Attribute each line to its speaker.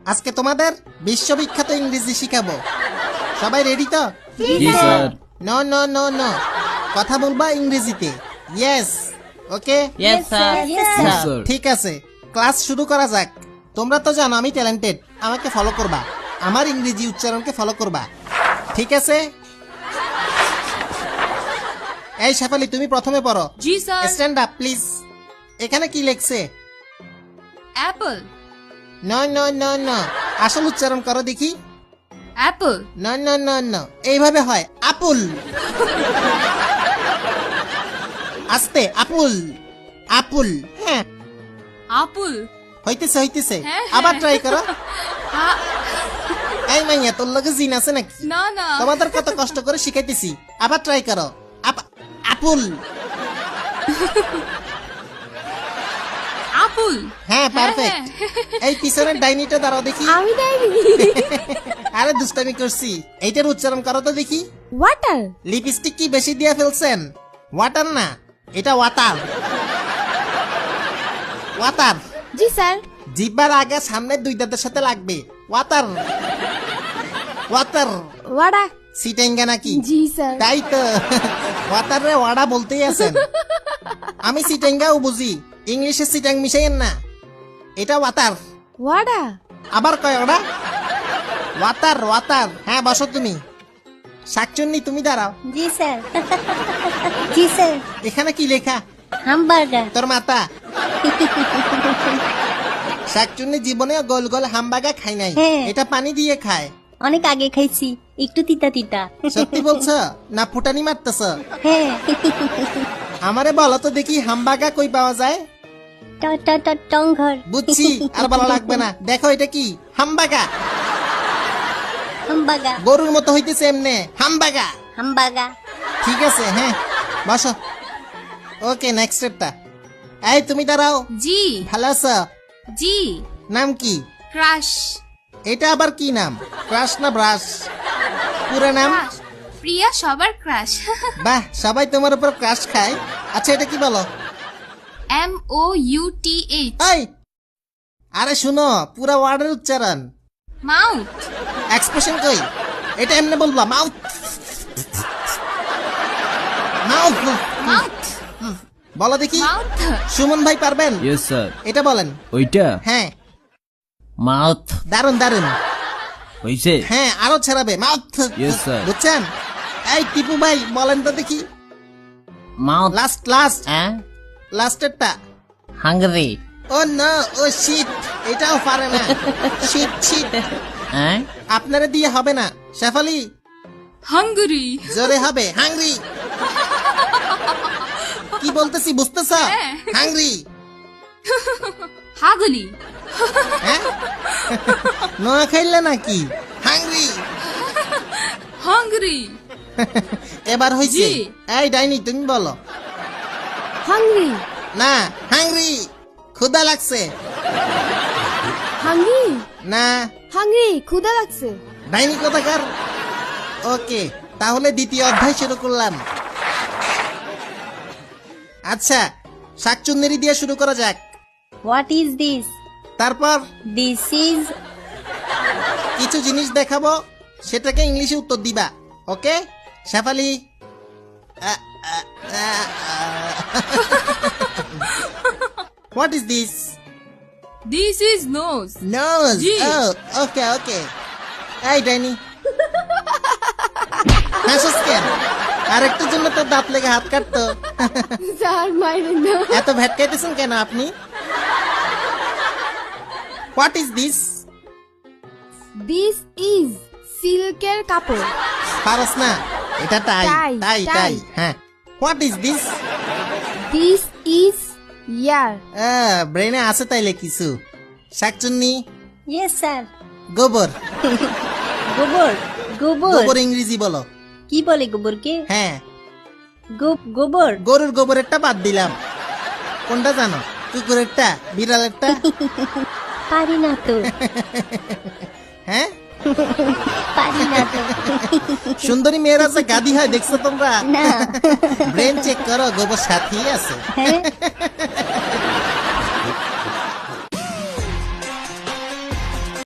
Speaker 1: আজকে তোমাদের বিশ্ববিখ্যাত ইংরেজি শিখাবো। সবাই রেডি তো?
Speaker 2: জি sir.
Speaker 1: No no no no, কথা বলবা ইংরেজিতে। Yes, okay.
Speaker 2: Yes sir. Sir.
Speaker 1: ঠিক আছে, ক্লাস শুরু করা যাক। তোমরা তো জানো আমি ট্যালেন্টেড, আমাকে ফলো করবা, আমার ইংরেজি উচ্চারণকে ফলো করবা, ঠিক আছে? এই শেফালি, তুমি প্রথমে পড়ো।
Speaker 3: জি স্যার।
Speaker 1: Stand up please. এখানে কি লেখছে?
Speaker 3: Apple.
Speaker 1: No no no no, আসল উচ্চারণ করো দেখি।
Speaker 3: Apple.
Speaker 1: No no no no, এইভাবে হয় আপুল। আস্তে, আপুল আপুল। হ্যাঁ,
Speaker 3: আপুল।
Speaker 1: হইতেছে হইতেছে,
Speaker 3: হ্যাঁ,
Speaker 1: আবার
Speaker 3: হ্যাঁ।
Speaker 1: ট্রাই করো।
Speaker 3: আ-
Speaker 1: এই মাইয়া, তোর লগে জিন আছে নাকি?
Speaker 3: না না।
Speaker 1: তোমাদের কত কষ্ট করে শিখাইতেছি, আবার ট্রাই করো। আপুল।
Speaker 3: আপুল।
Speaker 1: হ্যাঁ, পারফেক্ট। এই পিছনের ডাইনিটা দাঁড়াও দেখি।
Speaker 4: আমি ডাইনি।
Speaker 1: আরে দুষ্টামি করছি, এইটার উচ্চারণ করো তো দেখি।
Speaker 4: ওয়াটার।
Speaker 1: লিপস্টিক কি বেশি দিয়ে ফেলছেন? ওয়াটার না, এটা ওয়াটার। ওয়াটার।
Speaker 4: জি স্যার।
Speaker 1: জিব্বার আগে সামনের দুই দাঁতের সাথে লাগবে। Water water.
Speaker 4: ওয়াডা।
Speaker 1: সিটেঙ্গা নাকি?
Speaker 4: জি স্যার।
Speaker 1: তাই তো, ওয়াটার রে ওয়াডা বলতেই আছেন। আমি সিটেঙ্গাও বুঝি, ইংলিশে সিটাং মিশাইয়েন না। এটা ওয়াটার।
Speaker 4: ওয়াডা।
Speaker 1: আবার কয় ওটা? Water water. হ্যাঁ, বসো তুমি। শাকচুন্নি, তুমি দাঁড়াও।
Speaker 5: জি স্যার। জি স্যার।
Speaker 1: এখানে কি লেখা?
Speaker 5: হামবার্গার।
Speaker 1: তোর মাতা। শাকচুন্নি জীবনে গোল গোল হামবাগা খাই নাই,
Speaker 5: হ্যাঁ।
Speaker 1: এটা পানি দিয়ে খায়।
Speaker 5: অনেক আগে খাইছি, একটু তিতা তিতা।
Speaker 1: সত্যি বলছো না ফুটানি মারতেছ?
Speaker 5: হ্যাঁ।
Speaker 1: আমারে বলো তো দেখি, হামবাগা কই পাওয়া যায়?
Speaker 5: টং ঘর।
Speaker 1: বুঝছি, আর ভালো লাগবে না। দেখো এটা কি? হামবাগা।
Speaker 5: হামবাগা।
Speaker 1: গরুর মতো হইতেছে এমনে, হামবাগা।
Speaker 5: হামবাগা।
Speaker 1: ঠিক আছে, হ্যাঁ, বসো। ওকে, নেক্সট স্টেপটা। এই তুমি দাঁড়াও।
Speaker 3: জি।
Speaker 1: ভালো আছো?
Speaker 3: জি।
Speaker 1: নাম কি?
Speaker 3: ক্রাশ।
Speaker 1: এটা আবার কি নাম? ক্রাশ না ব্রাশ? পুরো নাম?
Speaker 3: ক্রাশ। প্রিয়া সবার ক্রাশ।
Speaker 1: বাহ, সবাই তোমার উপর ক্রাশ খায়। আচ্ছা, এটা কি বলো?
Speaker 3: MOUTH।
Speaker 1: এই, আরে শুনো, পুরা ওয়ার্ডের উচ্চারণ।
Speaker 3: মাউথ।
Speaker 1: এক্সপ্রেশন কই? এটা এমনি বলবা, মাউথ মাউথ।
Speaker 3: মাউথ।
Speaker 1: বলো দেখি।
Speaker 3: মাউথ।
Speaker 1: সুমন ভাই পারবেন?
Speaker 2: Yes sir.
Speaker 1: এটা বলেন।
Speaker 2: ওইটা
Speaker 1: হ্যাঁ,
Speaker 2: মাউথ
Speaker 1: দারুন দারুন।
Speaker 2: হইছে।
Speaker 1: হ্যাঁ, আরো ছাড়াবে, মাউথ।
Speaker 2: Yes, sir.
Speaker 1: বুঝছেন? এই টিপু ভাই বলেন তো দেখি।
Speaker 2: মাউথ।
Speaker 1: লাস্ট লাস্ট
Speaker 2: হ্যাঁ,
Speaker 1: লাস্টেরটা।
Speaker 2: হাঙ্গরি।
Speaker 1: ও না, ও শিট, এটাও পারে না। Shit shit.
Speaker 2: হ্যাঁ,
Speaker 1: আপনারা দিয়ে হবে না। শেফালি,
Speaker 3: হাঙ্গরি।
Speaker 1: জোরে হবে, হাংরি। কি বলতেছি বুঝতেছ?
Speaker 3: হ্যাঁ।
Speaker 1: হাংরি।
Speaker 3: হাগুলি।
Speaker 1: হ্যাঁ, নোয়া খাইলে নাকি? হাংরি।
Speaker 3: হাঙ্গরি।
Speaker 1: এবার হইছে।
Speaker 3: জি।
Speaker 1: এই ডাইনি, তুমি বলো।
Speaker 4: হাংরি।
Speaker 1: না, হাংরি। ক্ষুধা লাগছে।
Speaker 4: হাংরি।
Speaker 1: না,
Speaker 4: হাংরি, ক্ষুধা লাগছে।
Speaker 1: ডাইনি কোথাকার। ওকে, তাহলে দ্বিতীয় অধ্যায় শুরু করলাম। আচ্ছা, শাকচুন্নেরি দিয়ে শুরু করা যাক।
Speaker 5: What is this?
Speaker 1: তারপর
Speaker 5: দিস ইজ।
Speaker 1: কিছু জিনিস দেখাবো, সেটাকে ইংলিশে উত্তর দিবা। Okay Shefali? What is this?
Speaker 3: This is nose.
Speaker 1: Nose.
Speaker 3: জি।
Speaker 1: Okay okay. এই ডাইনি, হাসিস কেন? আরেকটার জন্য তো দাঁত লেগে হাত কাটতো।
Speaker 4: স্যার মাইরেন না।
Speaker 1: এত ভেটকাইতেছেন কেন আপনি? What is this?
Speaker 4: This is সিল্কের কাপড়।
Speaker 1: পারস না, এটা টাই
Speaker 4: টাই,
Speaker 1: টাই
Speaker 4: টাই।
Speaker 1: টাই। হ্যাঁ, what is this?
Speaker 4: This is ear.
Speaker 1: ব্রেনে আছে তাইলে কিছু। শাকচুন্নি,
Speaker 5: ইয়েস স্যার।
Speaker 1: গোবর।
Speaker 5: গোবর। গোবর।
Speaker 1: গোবর ইংরেজি বলো।
Speaker 5: কি বলে গোবরকে?
Speaker 1: হ্যাঁ,
Speaker 5: গোবর।
Speaker 1: গরুর গোবরেরটা বাদ দিলাম। কোনটা জানো? কুকুরেরটা, বিড়ালেরটা?
Speaker 5: পারি না তো।
Speaker 1: হ্যাঁ,
Speaker 5: পারি না তো।
Speaker 1: সুন্দরী মেয়েরা যে গাদি হয় দেখছো তোমরা?
Speaker 5: না।
Speaker 1: ব্রেন চেক করো, গোবর সাথী আছে।
Speaker 5: হ্যাঁ।